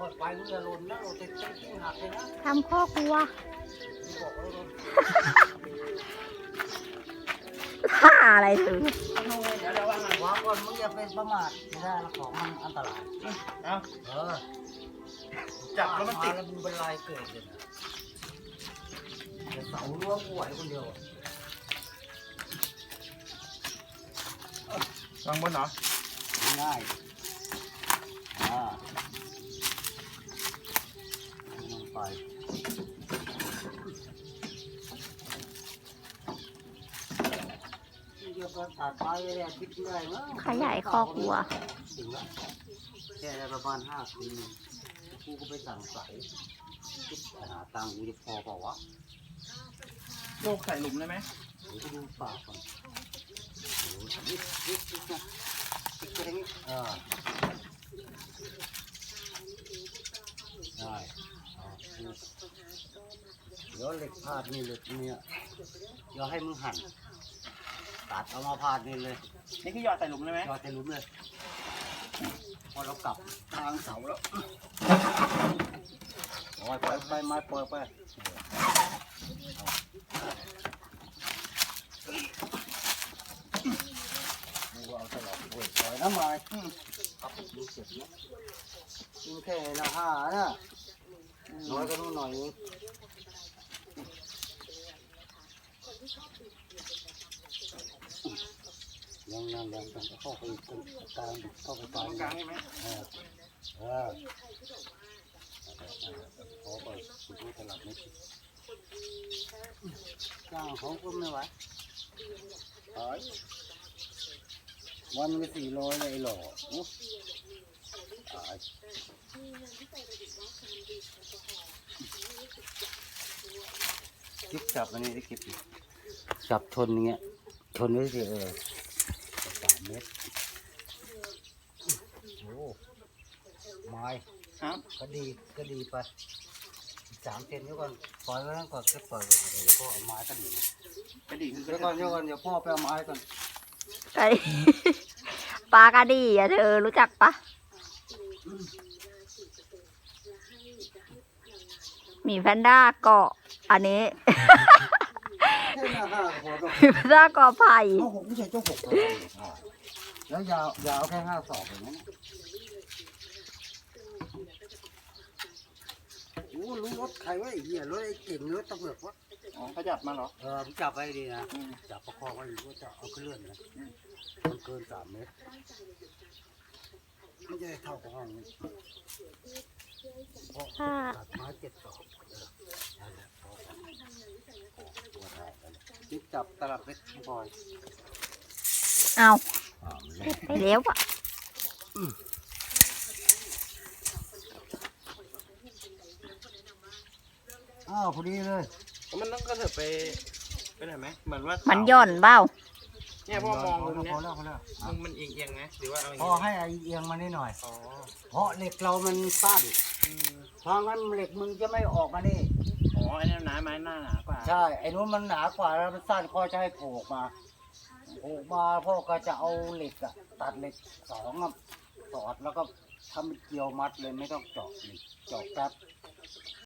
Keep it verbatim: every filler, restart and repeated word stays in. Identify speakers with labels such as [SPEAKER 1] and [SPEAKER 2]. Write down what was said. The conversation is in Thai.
[SPEAKER 1] อยไปมึงอย่าหล่นนะเราจะจะกิ้งหักเลยนะ
[SPEAKER 2] ทำข้อกลัว
[SPEAKER 1] มึงบอกเลย
[SPEAKER 2] ท่าอะไรถึง
[SPEAKER 3] เดี๋ยวเดี๋ยววางหน่อยว
[SPEAKER 1] างก่อนมึงอย่าเป็นประมาทไม่ได้แล้วของมันอันตราย
[SPEAKER 3] เอา
[SPEAKER 1] เออ
[SPEAKER 3] จับแล้วมันติด
[SPEAKER 1] แล้วมึงเป็นลายเกิดเลยนะเดี๋ยวเสารั้วกูไหวคนเดียว
[SPEAKER 3] วางบนเหรอ
[SPEAKER 1] ง่ายอ่าลงไปเดี๋ยวก็ตัดไปเลยคิดเรื่อยมั้ง
[SPEAKER 2] ขยายคอกวัว
[SPEAKER 1] ถึงแล้วแค่ได้ประมาณห้าคืนกูก็ไปสั่งใส่คิดหาตังค์กูจะพอเปล่าวะ
[SPEAKER 3] โลกใส่หลุมได้ไหม
[SPEAKER 1] เดี๋ยวไปดูปากก่อนโอ้ยนิดนิดนิดนะนิดแค่นี้อ่าได้อ่าเดี๋ยวเหล็กพาดนี่เหล็กเนี่ยเดี๋ยวให้มึงหั่นตัดเอามาพาดนี่เลย
[SPEAKER 3] นี่คือหยอดใส่หลุมได้ไหม
[SPEAKER 1] ยอดจะลุ้มเลย พอเรากลับทางเสาแล้วปล่อยไปไปไม้ปล่อยไปดูเอาตลอดปล่อยปล่อยน้ำไม้ครับดูเสร็จแล้วกินแค่ละห้านะน้อยก็นู่นหน่อยเองยังยังยังต้องเข้าไปตรงกลางเข้าไป
[SPEAKER 3] ตรงกลางใช่ไหม
[SPEAKER 1] เออเออขอไปดูตลาดนิดจ้างเขาก็ไม่ไหวหายวันละสี่ร้อยเลยหล่อตายคิดจับอันนี้ได้คิดจับชนอย่างเงี้ยชนไว้สิเออสามเมตรโอ้ไม้
[SPEAKER 3] ครับ
[SPEAKER 1] ก็ดีก็ดีไปอีกสามเซนเดี๋ยวก่อนปล่อยไว้นั่นก่อนก็ปล่อยก่อนเดี๋ยวพ่อเอาไม้ก็ดี
[SPEAKER 3] กระดิ่งคือ
[SPEAKER 1] เดี๋ยวก่อนเดี๋ยวก่อนเดี๋ยวพ่อไปเอาไม้ก่อน
[SPEAKER 2] ไก่ปลากระดีอ่ะเธอรู้จักปะหมีแพนด้าเกาะอันนี้
[SPEAKER 1] แค่หน้าห้าพอต้อง
[SPEAKER 2] หมีแพนด้าเกาะไผ่
[SPEAKER 1] เจ้าหกไม่ใช่เจ้าหกเลยแล้วยาวยาวแค่ห้าศอกอย่างนั้นโอ้รู้รถใครวะไอ้เหี้ยรถไอ้เก่งรถตำรวจวะ
[SPEAKER 3] อ๋อเขาจับมาเหรอ
[SPEAKER 1] เออผมจับไว้ดีนะจับประคองไว้อยู่ว่าจะเอาขึ้นเลื่อนนะมันเกินสามเมตรไม่ใช่เท่าของห้องนี้เพราะ
[SPEAKER 2] ค่ะ
[SPEAKER 1] ตัดไม้เจ็ดศอกเออนั่นแหละพอกันตัวได้กันจิ๊บจับตลับเล็กบอย
[SPEAKER 2] เอา
[SPEAKER 1] อ่ามันเล็ก
[SPEAKER 2] ไปแล้วอ่ะ
[SPEAKER 1] อ้าวพอดีเลย
[SPEAKER 3] มันต้องกระเถิบไปไปไหนไหมเหมือนว่า
[SPEAKER 2] มั
[SPEAKER 3] มัน
[SPEAKER 2] ย่อนเบ้า
[SPEAKER 3] เนี่ยพ่อมองมุม
[SPEAKER 1] พ
[SPEAKER 3] เนี้
[SPEAKER 1] อย แล้วพอแล้ว
[SPEAKER 3] มุมมันเอียงเอียงๆไหมหรือว่าเอาอย่าง
[SPEAKER 1] พอ
[SPEAKER 3] งี้
[SPEAKER 1] ให้ไอเอียงมานิดหน่อย
[SPEAKER 3] อ๋อ
[SPEAKER 1] เพราะเหล็กเรามันสั้น
[SPEAKER 3] อืม
[SPEAKER 1] เพราะงั้นเหล็กมึงจะไม่ออกมานี่
[SPEAKER 3] อ๋อไอ้นี่หนาไม้หน้าหนากว่า
[SPEAKER 1] ใช่ ไอ้นู้นมันหนากว่าแล้วมันสั้นพ่อจะให้โผล่ออกมาโผล่มาพ่อก็จะเอาเหล็กอะตัดเหล็กสองอะสอดแล้วก็ทำเป็นเกลียวมัดเลยไม่ต้องเจาะเหล็กเจาะแป๊บ